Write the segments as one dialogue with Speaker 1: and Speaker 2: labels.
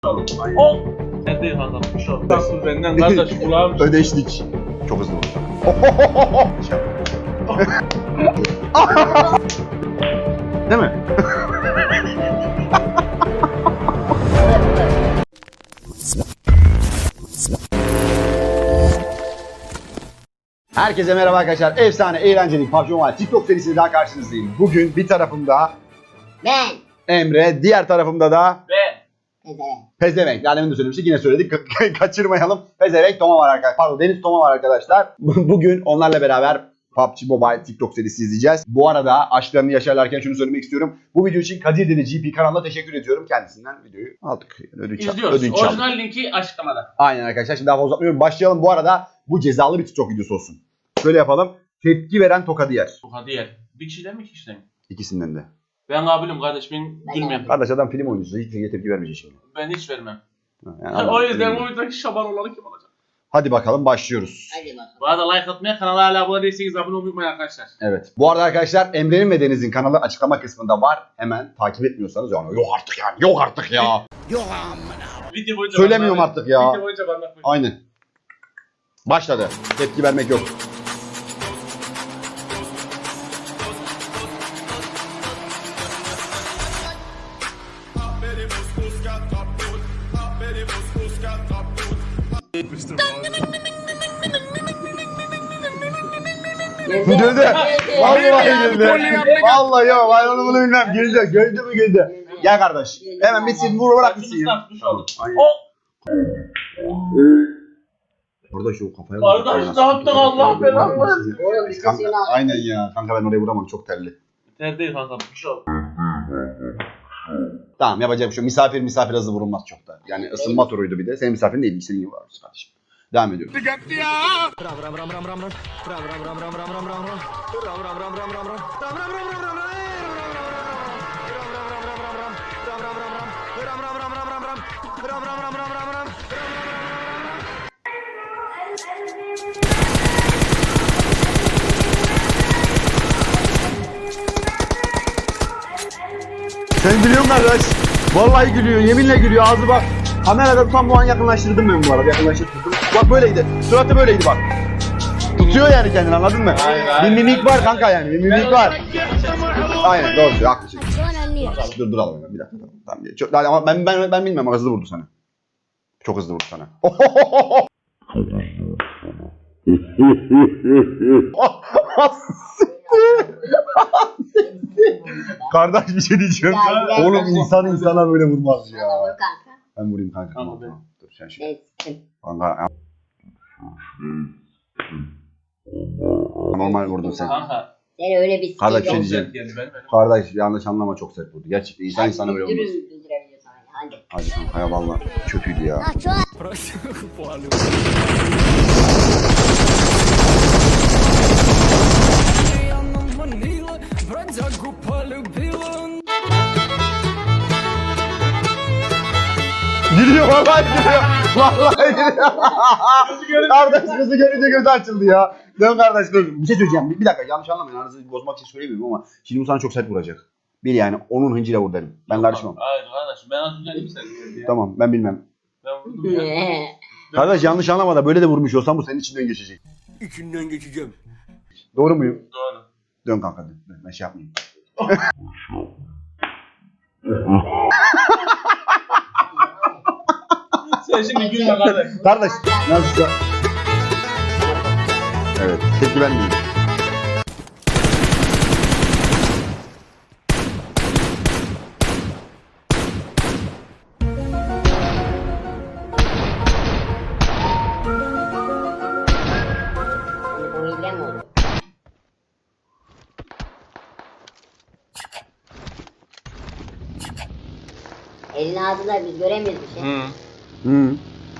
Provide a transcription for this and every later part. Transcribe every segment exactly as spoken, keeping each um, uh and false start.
Speaker 1: O. Sen değil kanka. Bir şey oldu. Nasıl benden kardeş kulağım.
Speaker 2: Ödeştik. Çok hızlı oldu. Değil mi? Herkese merhaba arkadaşlar. Efsane, eğlenceli P U B G Mobile TikTok serisiyle daha karşınızdayım. Bugün bir tarafımda
Speaker 3: Ben.
Speaker 2: Emre, diğer tarafımda da
Speaker 1: Ben.
Speaker 3: Pezevenk.
Speaker 2: Pezevenk. Yani de söylemiştik, yine söyledik. Kaçırmayalım. Pezevenk Toma var arkadaşlar. Pardon, Deniz Toma var arkadaşlar. Bugün onlarla beraber P U B G Mobile TikTok serisi izleyeceğiz. Bu arada aşklarını yaşarlarken şunu söylemek istiyorum. Bu video için Kadir Deli G P kanalına teşekkür ediyorum. Kendisinden videoyu aldık. Ödünç,
Speaker 1: İzliyoruz.
Speaker 2: ödünç aldık.
Speaker 1: Orijinal linki açıklamada.
Speaker 2: Aynen arkadaşlar. Şimdi daha fazla uzatmıyorum. Başlayalım. Bu arada bu cezalı bir TikTok videosu olsun. Şöyle yapalım. Tepki veren tokadı yer.
Speaker 1: Tokadı yer. Bir kişiden mi iki kişiden mi?
Speaker 2: İkisinden de.
Speaker 1: Ben kabilim kardeş. Ben bilmem.
Speaker 2: Kardeş adam film oyuncusu. Hiçbir şeye tepki vermeyecek şimdi.
Speaker 1: Ben hiç vermem.
Speaker 2: Yani
Speaker 1: o yüzden
Speaker 2: adam-
Speaker 1: o videodaki şaban olanı kim olacak?
Speaker 2: Hadi bakalım başlıyoruz.
Speaker 3: Hadi bakalım.
Speaker 1: Bu arada like atmaya, kanala hala abone değilseniz abone olmayı unutmayın arkadaşlar.
Speaker 2: Evet. Bu arada arkadaşlar Emre'nin ve Deniz'in kanalı açıklama kısmında var. Hemen takip etmiyorsanız yani yok artık yani. Yok artık ya.
Speaker 1: Video boyunca
Speaker 2: Söylemiyorum
Speaker 1: bana-
Speaker 2: artık ya.
Speaker 1: Video boyunca bana
Speaker 2: Aynen. Başladı. Tepki vermek yok. Güldü. Vallahi güldü. Vallahi yok. Ben onu bunu bilmem. Güldü. Güldü mü güldü. Gel kardeş. Hemen bitsin. Vur bırak bitsin. Aynen.
Speaker 1: O.
Speaker 2: Burada şu kafaya
Speaker 1: Kardeş ne yaptın Allah belanı versin.
Speaker 3: Oğlum bir
Speaker 2: Kanka,
Speaker 3: sesini al.
Speaker 2: aynen ya. Kanka ben oraya vuramam. Çok terli.
Speaker 1: Ter değil kanka. Bir şey oldu.
Speaker 2: Tamam yapacak bir şey yok. Misafir misafir hızlı vurulmaz çok da. Yani ısınma turuydu bir de. Senin misafirin değil. İstediğin gibi varmış kardeşim. Devam ediyoruz. Sen gülüyorsun kardeş. Vallahi gülüyor. Yeminle gülüyor. Ağzı bak. Kamerada tam bu an yakınlaştırdım ben bu arada. Yakınlaştırdım. Bak böyleydi. Suratı böyleydi bak. Tutuyor yani kendini, anladın mı?
Speaker 1: Hayır,
Speaker 2: Bir
Speaker 1: hayır.
Speaker 2: mimik var kanka yani. Bir mimik var. Aynen doğru söylüyor. Haklısın.
Speaker 3: Şu an anlıyor.
Speaker 2: Dur duralım hemen bir dakika. Tamam. Çok, ama ben ben ben bilmem ama hızlı vurdu sana. Çok hızlı vurdu sana. Kardeş bir şey diyeceğim.
Speaker 3: Ya, ya,
Speaker 2: Oğlum
Speaker 3: ya.
Speaker 2: insan insana böyle vurmaz ya.
Speaker 3: Vur kanka.
Speaker 2: Ben vurayım kanka.
Speaker 1: Tamam,
Speaker 2: Tamam, tamam. Dur sen şu.
Speaker 3: Ben sıktım.
Speaker 2: Kanka. Normal vurdun sen.
Speaker 1: Kanka.
Speaker 3: Sen öyle bir
Speaker 2: Kardeş bir şey
Speaker 1: Çok
Speaker 2: diyeceğim.
Speaker 1: sert geldi benim. benim.
Speaker 2: Kardeş yanlış anlama, çok sert vurdu. Gerçekten insan insana böyle vurmaz.
Speaker 3: Güldürebiliyorsun hadi.
Speaker 2: Hadi kanka ya valla kötüydü ya. Gülüyor vallahi gülüyor. Vallahi gülüyor. Kardeş kızı görünce gözü açıldı ya. Dön kardeş dön. Bir şey söyleyeceğim. Bir, bir dakika yanlış anlamayın. Aranızı bozmak için söylemiyorum ama şimdi bu sana çok sert vuracak. Bil yani onun hıncıyla vur derim. Ben karışmam.
Speaker 1: Hayır kardeş ben az önce bir sert geldi ya.
Speaker 2: Tamam ben bilmem.
Speaker 1: Ben vurdum ya.
Speaker 2: Kardeş yanlış anlama da böyle de vurmuş olsam bu senin içinden geçecek.
Speaker 4: İçinden geçeceğim.
Speaker 2: Doğru muyum?
Speaker 1: Doğru.
Speaker 2: Dön kanka dön. Dön. Ben şey yapmayayım.
Speaker 1: Sen şimdi gülme kardeş.
Speaker 2: Kardeş nasıl? Evet tepki vermiyorum.
Speaker 3: Bu hile mi oldu? Elin ağzında biz göremiyoruz bir şey.
Speaker 1: Hı.
Speaker 2: Hı.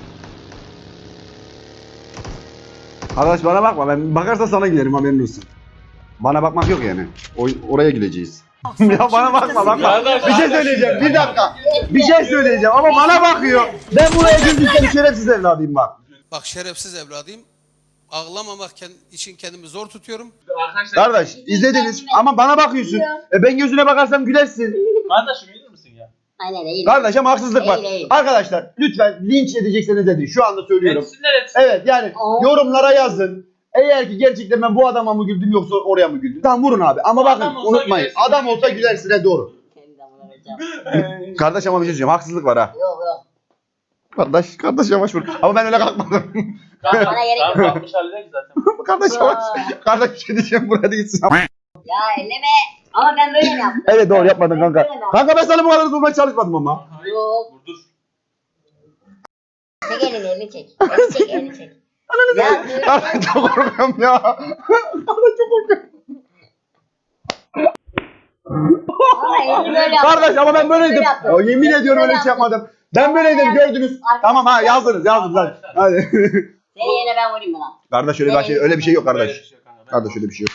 Speaker 2: Arkadaş bana bakma, ben bakarsa sana giderim, haberin olsun. Bana bakmak yok yani. O, oraya gideceğiz. Ya bana bakma bakma.
Speaker 1: Kardeş,
Speaker 2: Bir şey söyleyeceğim bir dakika. Bir şey söyleyeceğim ama bana bakıyor. Ben buraya güldükten şerefsiz evladıyım bak.
Speaker 4: Bak şerefsiz evladıyım. Ağlamamak için kendimi zor tutuyorum.
Speaker 1: Arkadaşlar.
Speaker 2: Kardeş izlediniz ama bana bakıyorsun. E ben gözüne bakarsam gülersin.
Speaker 1: Kardeşim gelir misin ya?
Speaker 3: Aynen değil.
Speaker 2: Kardeş ama haksızlık var.
Speaker 3: Değil, değil.
Speaker 2: Arkadaşlar lütfen linç edecekseniz edin. Şu anda söylüyorum.
Speaker 1: Etsinler etsinler.
Speaker 2: Evet yani
Speaker 3: Aa.
Speaker 2: yorumlara yazın. Eğer ki gerçekten ben bu adama mı güldüm yoksa oraya mı güldüm? Tamam vurun abi. Ama bakın
Speaker 1: Adam olsa
Speaker 2: unutmayın.
Speaker 1: gülersin.
Speaker 2: Adam olsa gülersin he doğru.
Speaker 3: Kendi damına vereceğim.
Speaker 2: Kardeş ama bir şey söyleyeceğim. Haksızlık var ha.
Speaker 3: Yok yok.
Speaker 2: Kardeş, kardeş yavaş vur. Ama ben öyle kalkmadım.
Speaker 3: Bana gerek yok.
Speaker 1: Tamam kalkmış halde ki zaten.
Speaker 2: kardeş yavaş. Kardeş bir şey diyeceğim buraya da gitsin.
Speaker 3: Ya elleme. Ama ben böyle mi yaptım?
Speaker 2: Evet doğru yapmadın kanka.
Speaker 3: Böyle mi yaptım?
Speaker 2: Kanka ben sana bu kadar durmaya çalışmadım ama.
Speaker 3: Yok.
Speaker 1: Vurdur.
Speaker 3: Çek elini elini çek. Elini çek elini çek. Ya dur.
Speaker 2: Kardeş çok korkuyorum ya. Kardeş çok korkuyorum.
Speaker 3: Ama elini böyle yaptım.
Speaker 2: Kardeş ama ben böyleydim.
Speaker 3: Böyle yaptım.
Speaker 2: Ya, yemin ediyorum öyle bir şey
Speaker 3: yaptım.
Speaker 2: yapmadım. Ben böyleydim gördünüz. Tamam ha yazdınız yazdınız hadi. Hadi.
Speaker 3: Seni yerine ben vurayım mı lan?
Speaker 2: Kardeş öyle bir şey öyle bir şey yok
Speaker 1: Böyle bir
Speaker 2: kardeş.
Speaker 1: şey yok kanka. Ben-
Speaker 2: Kardeş öyle bir şey yok.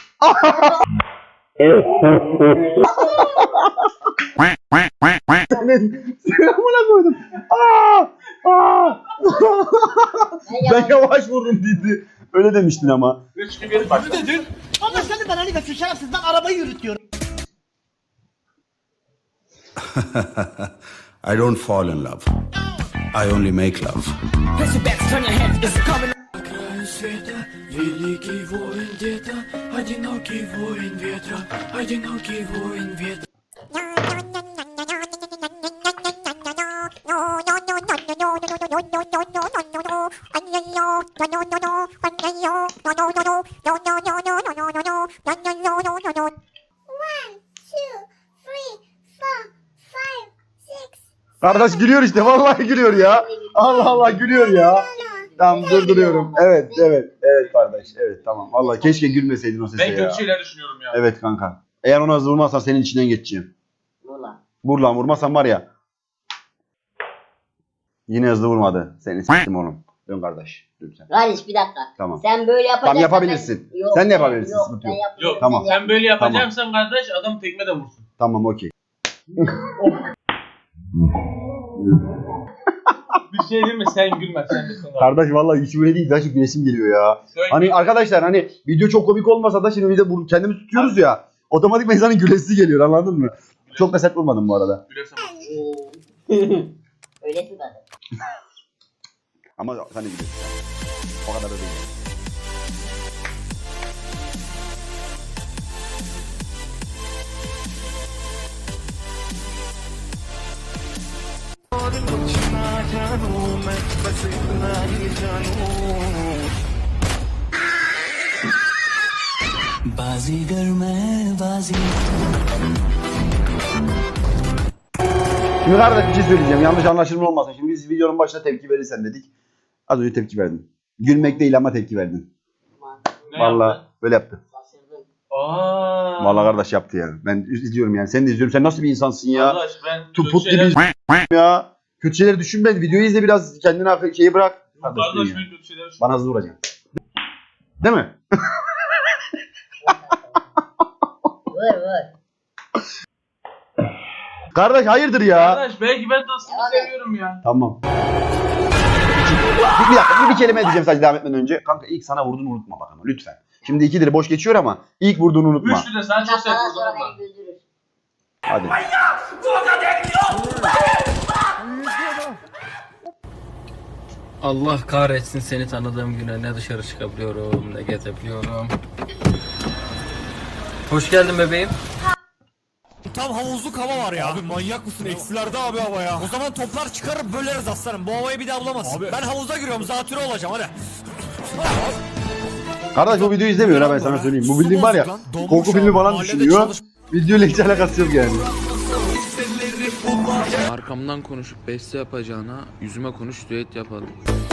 Speaker 2: Senin selamına koydum. Aa! Aa!
Speaker 3: Ben
Speaker 2: Ben
Speaker 3: yalan.
Speaker 2: yavaş vururum dedi. Öyle demiştin ama.
Speaker 1: Üç gün geri başla.
Speaker 5: Ama sen de bana ne diyorsun şerefsiz, ben arabayı yürütüyorum.
Speaker 6: I don't fall in love. I only make love.
Speaker 7: Света, великий воин где-то, одинокий воин ветра, одинокий воин ветра.
Speaker 2: Kardeş gülüyor işte vallahi gülüyor ya. Allah Allah gülüyor ya. Tamam durduruyorum. Evet evet evet kardeş. Evet tamam. Vallahi keşke gülmeseydin o sese
Speaker 1: Ben
Speaker 2: ya.
Speaker 1: kötü şeyler düşünüyorum ya.
Speaker 2: Evet kanka. Eğer ona hızlı vurmazsan senin içinden geçeceğim.
Speaker 3: Vur lan.
Speaker 2: Vur lan vurmazsan var ya. Yine hızlı vurmadı. Seni s**tim oğlum. Dön kardeş. Dön sen.
Speaker 3: Kardeş bir dakika.
Speaker 2: Tamam.
Speaker 3: Sen böyle yapacaksan
Speaker 2: Tamam, yapabilirsin.
Speaker 3: ben- Yok,
Speaker 2: Sen de
Speaker 3: ben-
Speaker 2: yapabilirsin,
Speaker 3: Yok,
Speaker 2: sıkıntı
Speaker 3: ben
Speaker 2: yok.
Speaker 3: yapmayacağım,
Speaker 1: Yok
Speaker 2: Tamam.
Speaker 3: sen yap.
Speaker 1: sen böyle yapacaksan kardeş adam tekme de vursun.
Speaker 2: Tamam okey.
Speaker 1: Bir şey değil mi? Sen gülme sen misin?
Speaker 2: Kardeş vallahi hiç böyle değil. Gerçekten gülesim geliyor ya.
Speaker 1: Söyle.
Speaker 2: Hani arkadaşlar hani video çok komik olmasa da şimdi bir de bu kendimizi tutuyoruz ya. Otomatik insanın gülesi geliyor anladın mı? Çok da sert vurmadım bu arada.
Speaker 1: Gülersen
Speaker 3: Öylesin zaten.
Speaker 2: Ama sen de gülüyorsun. O kadar da değil.
Speaker 7: बाजीगर मैं बाजी
Speaker 2: Şimdi kardeş bir şey söyleyeceğim. Yanlış anlaşılma olmasın. Şimdi biz videonun başına tepki verirsen dedik. Az önce tepki verdin. Gülmek değil ama tepki verdin.
Speaker 3: Aman,
Speaker 1: ne
Speaker 2: Vallahi
Speaker 1: yaptın?
Speaker 2: böyle yaptı.
Speaker 3: şaşırdım.
Speaker 1: Aa.
Speaker 2: Vallahi kardeş yaptı ya. Ben izliyorum yani. Sen de izliyorum. Sen nasıl bir insansın ya?
Speaker 1: Kardeş ben
Speaker 2: Tupuk
Speaker 1: kötü şeyler...
Speaker 2: gibi ya. Kötü şeyleri düşünme. Videoyu izle biraz. Kendine akıl- şeyi bırak. Kardeş,
Speaker 1: Kardeş
Speaker 2: ya.
Speaker 1: ben kötü şeyler düşünüyorum.
Speaker 2: Bana hızlı vuracaksın. Değil mi?
Speaker 3: Vur vur.
Speaker 2: Kardeş hayırdır ya?
Speaker 1: Kardeş belki ben dostluğu
Speaker 3: Devam et.
Speaker 1: seviyorum ya.
Speaker 2: Tamam. Bir, bir dakika bir, bir kelime edeceğim sadece devam etmeden önce. Kanka ilk sana vurduğunu unutma bak ama lütfen. Şimdi ikidir boş geçiyor ama ilk vurduğunu unutma.
Speaker 1: Üçlü de sen çok sert
Speaker 3: Daha
Speaker 1: vurdun
Speaker 3: sonra
Speaker 1: ama.
Speaker 3: beni güldürür.
Speaker 2: Hadi.
Speaker 8: Allah kahretsin seni tanıdığım güne ne dışarı çıkabiliyorum ne gezebiliyorum. Hoş geldin bebeğim.
Speaker 5: Tam havuzluk hava var ya. Abi manyak mısın? Eksilerde abi hava ya. O zaman toplar çıkarıp böleriz aslanım. Bu havayı bir daha bulamazsın. Ben havuza giriyorum, zatürre olacağım hadi.
Speaker 2: Kardeş bu videoyu izlemiyor ha ben sana söyleyeyim. Bu bildiğin var ya korku filmi falan düşünüyor. Videoyla hiç alakası yok yani.
Speaker 8: Arkamdan konuşup beste yapacağına yüzüme konuş düet yapalım.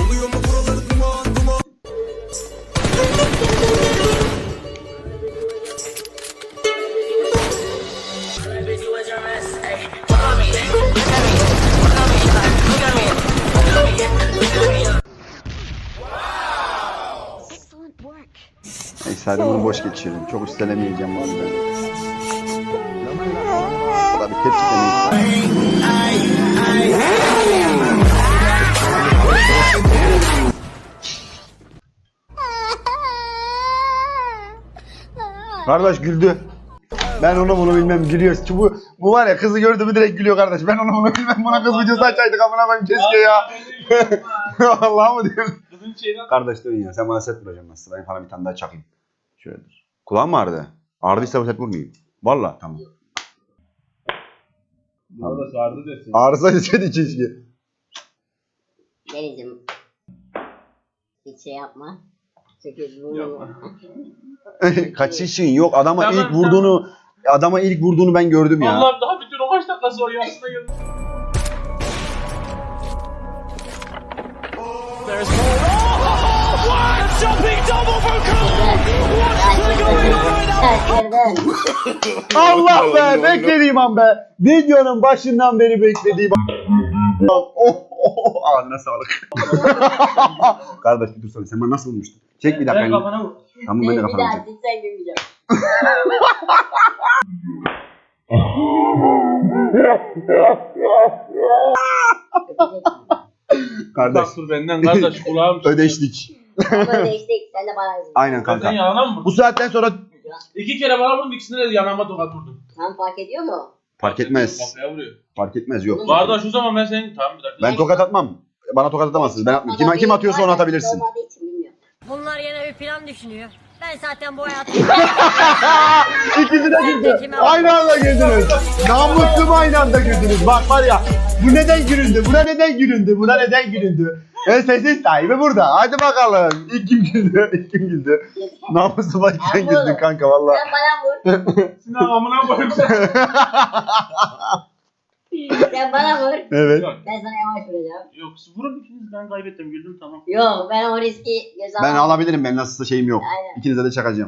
Speaker 2: Neyse hadi bunu boş geçirelim. Çok üstelemeyeceğim var ben. Bu da bir tepki demeyiz. Kardeş güldü. Ben onu bunu bilmem gülüyor. Çünkü bu, bu var ya kızı gördü mü direkt gülüyor kardeş. Ben onu bunu bilmem buna kız videosu açaydık amına koyayım keşke ya. Vallahi mı diyorum?
Speaker 1: Kızın şeyden...
Speaker 2: Kardeş dön ya sen bana set vuracaksın nasıl? Ben sana bir tane daha çakayım. Şöyledir. Kulağım mı ağrıdı? Ağrıdıysa bu set vurmayayım. Vallahi tamam.
Speaker 1: Bana da sardı desin.
Speaker 2: Ağrısaydı set için işte.
Speaker 3: Deniz'im. Hiç şey yapma. Sekiz vurma.
Speaker 1: Yapma.
Speaker 2: Kaçışın yok adama
Speaker 1: Tamam,
Speaker 2: ilk vurduğunu adama ilk vurduğunu ben gördüm ya.
Speaker 1: Allah'ım daha bütün o maç dakikası var yarısına geldi.
Speaker 2: Allah be beklediğim an be. Videonun başından beri beklediğim an. Oh, oh, oh. Ağzına sağlık. Kardeş bir dursana sen bana nasıl vurmuştun? Çek bir dakika.
Speaker 1: Ben kafana vur.
Speaker 2: Tamam ben de
Speaker 3: Bir
Speaker 2: kafana
Speaker 3: daha
Speaker 2: vuracağım.
Speaker 3: sen gülmeyeceğim.
Speaker 2: Kardeş
Speaker 1: Bak dur benden kardeş kulağım.
Speaker 2: ödeştik.
Speaker 3: Ama değiştik. Sen de bana üzüldün.
Speaker 2: Aynen
Speaker 1: Sen
Speaker 2: kanka.
Speaker 1: yanına mı vurdun?
Speaker 2: Bu saatten sonra
Speaker 1: İki kere bana vurdun ikisine de yanağıma tokat vurdun.
Speaker 3: Sen fark ediyor mu?
Speaker 2: fark etmez.
Speaker 1: Kafaya vuruyor.
Speaker 2: Fark etmez yok.
Speaker 1: Kardeş o zaman ben senin... Tamam bir dakika.
Speaker 2: Ben tokat atmam. Bana tokat atamazsınız. Ben atmam. Kim, kim atıyorsa onu atabilirsin.
Speaker 3: Olmadığı için bilmiyorum.
Speaker 9: Bunlar yine bir plan düşünüyor. Ben zaten bu hayatı...
Speaker 2: İkisi de güldü. Aynı anda güldünüz. Namussum aynı anda güldünüz. Bak var ya. Bu neden gülündü? Buna neden gülündü? Buna neden gülündü? E sesin sahibi burada. Hadi bakalım. İlk kim güldü? İlk kim güldü? Namusuma sen güldün kanka valla.
Speaker 3: Sen bana vur.
Speaker 1: Sinan amına koyayım sen.
Speaker 3: Sen bana vur.
Speaker 2: Evet.
Speaker 1: Yok.
Speaker 3: Ben sana yavaş vuracağım.
Speaker 1: Yok siz vurun ikiniz ben kaybettim güldüm tamam.
Speaker 3: Yok ben o riski göze
Speaker 2: Ben
Speaker 3: alamam.
Speaker 2: alabilirim. Ben nasılsa şeyim yok.
Speaker 3: Aynen.
Speaker 2: İkinize de çakacağım.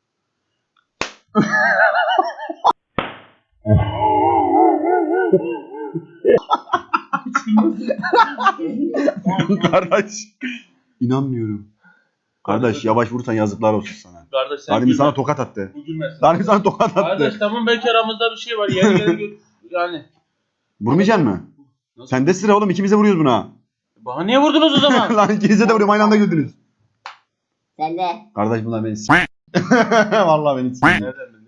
Speaker 2: Kardeş. İnanmıyorum. Kardeş yavaş vursan yazıklar olsun sana.
Speaker 1: Kardeş sen
Speaker 2: Tanrım
Speaker 1: gülme.
Speaker 2: sana tokat attı.
Speaker 1: Bu gülmesin.
Speaker 2: Tanrım sana tokat attı.
Speaker 1: Kardeş tamam belki aramızda bir şey var. Yeni yeni gül. Yani.
Speaker 2: Vurmayacaksın mı?
Speaker 1: Nasıl?
Speaker 2: Sende sıra oğlum ikimize vuruyoruz buna.
Speaker 1: Bana niye vurdunuz o zaman?
Speaker 2: Lan ikinize de vuruyorum aynı anda güldünüz.
Speaker 3: Sen de.
Speaker 2: Kardeş bunlar beni s***. Vallahi beni s***.
Speaker 1: Nereden bildin?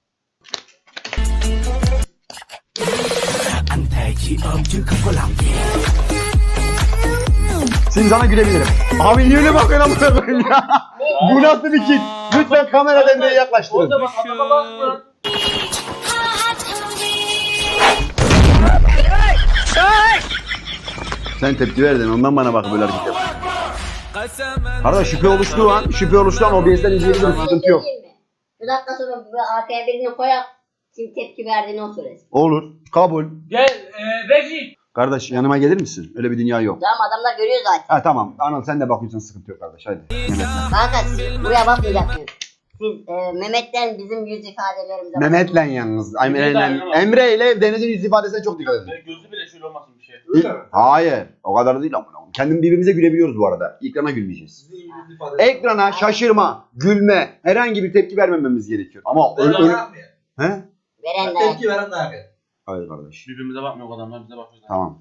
Speaker 2: Şimdi sana gülebilirim. Abi niye öyle bakıyorsun amına koyayım ya? Bu nasıl bir kit? Lütfen kamera devreye yaklaştırın.
Speaker 1: Orada bak adama bakma.
Speaker 2: Sen tepki verdin ondan bana bak böyle hareket yap. Kardeş şüphe oluştuğu an, şüphe oluştuğu an O B S'den izleyebilirim sıkıntı yok.
Speaker 3: Bir dakika sonra bu arkaya birini koyak. Kim tepki verdiğini o söylesin.
Speaker 2: Olur, kabul.
Speaker 1: Gel e, Regi.
Speaker 2: Kardeş yanıma gelir misin? Öyle bir dünya yok.
Speaker 3: Tamam adamlar görüyor zaten.
Speaker 2: Ha tamam. Anıl sen de bakıyorsan sıkıntı yok kardeş. Hadi. Mehmet.
Speaker 3: Kanka siz buraya bakmayacaksınız. Siz e, Mehmet'ten bizim yüz ifadelerimize bakın.
Speaker 2: Mehmet'le yalnız. Ay,
Speaker 1: Emre de
Speaker 2: Emre,
Speaker 1: aynı
Speaker 2: Emre ile Deniz'in yüz ifadesine çok dikkat edin.
Speaker 1: Böyle gözü bile şöyle olmasın bir şey.
Speaker 2: Hayır. O kadar da değil ama. Kendim birbirimize gülebiliyoruz bu arada. Ekrana gülmeyeceğiz. Ekrana şaşırma, gülme, herhangi bir tepki vermememiz gerekiyor. Ama öyle... öyle... He?
Speaker 3: Veren de.
Speaker 10: veren de abi.
Speaker 2: Hayır kardeş.
Speaker 1: Birbirimize bakmıyor o adamlar bize bakıyor.
Speaker 2: Tamam.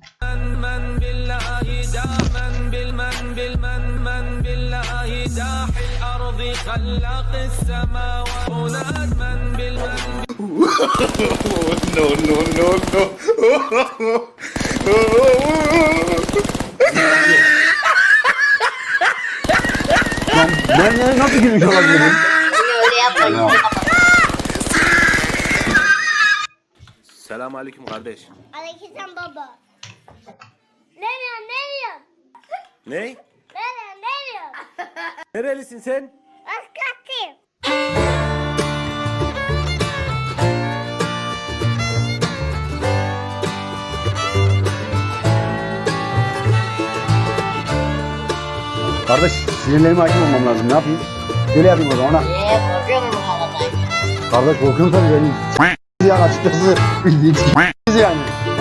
Speaker 6: No, no, no, no.
Speaker 2: Lan ben ben nasıl gülmüş olabilirim?
Speaker 3: Yine öyle yapmayın.
Speaker 2: Ya.
Speaker 6: Selam aleyküm kardeş.
Speaker 9: Aleykümselam baba. Nereye nereye?
Speaker 6: Ne?
Speaker 9: Nereye nereye?
Speaker 6: Nerelisin sen?
Speaker 9: Askatayım.
Speaker 2: Kardeş sinirlerime hakim olmam lazım. Ne yapayım? Şöyle yapayım o zaman ha.
Speaker 3: Eee korkuyor musun bu kadar?
Speaker 2: Kardeş korkuyorum tabii benim. Yani açıkçası bildiğin yani.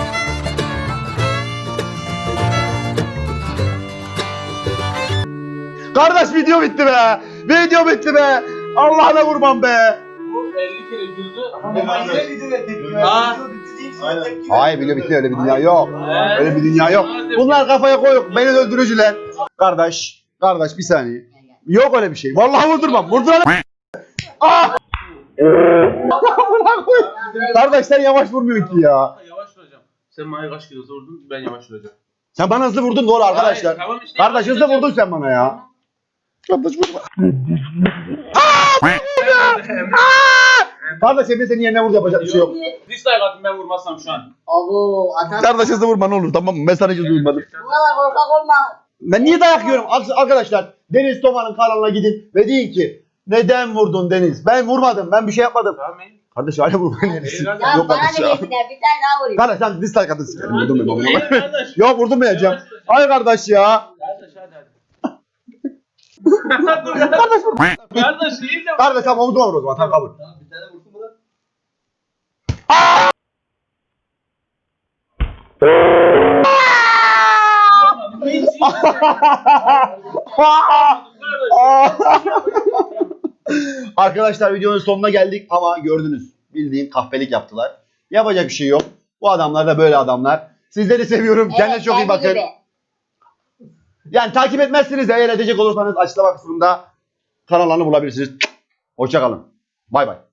Speaker 2: Kardeş video bitti be. Video bitti be. Allah'ına kurban be.
Speaker 1: Bu elli kere güldü. Ama
Speaker 10: Ama
Speaker 1: ben
Speaker 10: yine videoya tepki
Speaker 1: Ha.
Speaker 10: verdi. Video bitti değil sonra
Speaker 2: Aynen.
Speaker 10: tepki
Speaker 2: Hayır
Speaker 10: verdi.
Speaker 2: video bitti öyle bir dünya yok.
Speaker 1: Evet.
Speaker 2: Öyle bir dünya yok. Bunlar kafaya koyup beni öldürücüler. Kardeş, kardeş bir saniye. Yok öyle bir şey. Vallahi vurdurmam. Vurduran. Ah! Kardeş sen yavaş vurmuyorsun ki ya.
Speaker 1: Yavaş vuracağım. Sen bana kaç kilo vurdun, ben yavaş vuracağım.
Speaker 2: Sen bana hızlı vurdun doğru arkadaşlar.
Speaker 1: Hayır, tamam işte,
Speaker 2: Kardeş hızlı
Speaker 1: yavaş
Speaker 2: vurdun sen bana ya. Kardeş vurma. Kardeş Emre senin yerine vurdu yapacak bir şey yok.
Speaker 1: Dislike atın ben vurmazsam şu an.
Speaker 3: Abo atan.
Speaker 2: Kardeş hızlı vurma ne olur tamam mı? Ben sana hiç duymadım.
Speaker 3: Bu kadar korkak olma.
Speaker 2: Ben niye dayak yiyorum? Arkadaşlar Deniz Toma'nın kanalına gidin ve deyin ki neden vurdun Deniz? Ben vurmadım. Ben bir şey yapmadım.
Speaker 1: Tamam mı?
Speaker 2: Kardeş hala vurmayın yerisi.
Speaker 1: Ya
Speaker 3: Ya
Speaker 2: Yok
Speaker 3: bana
Speaker 2: kardeş
Speaker 3: ne
Speaker 2: ya.
Speaker 3: desinler bir tane daha vurayım.
Speaker 2: Kardeş sen dislike atın sikerim. Vurdum ben babama.
Speaker 1: İyi kardeş.
Speaker 2: Yok vurdurmayacağım. Ay kardeş ya.
Speaker 1: Kardeş hadi hadi. Kardeş vur. Kardeş iyi de.
Speaker 2: Kardeş tamam omuzuma vur o zaman. Tamam kabul.
Speaker 1: Bir tane vursun buna.
Speaker 2: Arkadaşlar videonun sonuna geldik ama gördünüz. Bildiğin kahpelik yaptılar. Yapacak bir şey yok. Bu adamlar da böyle adamlar. Sizleri seviyorum.
Speaker 3: Evet,
Speaker 2: Kendinize çok iyi
Speaker 3: kendi
Speaker 2: bakın.
Speaker 3: gibi.
Speaker 2: Yani takip etmezsiniz de eğer edecek olursanız açıklama kısmında kanallarını bulabilirsiniz. Hoşça kalın. Bay bay.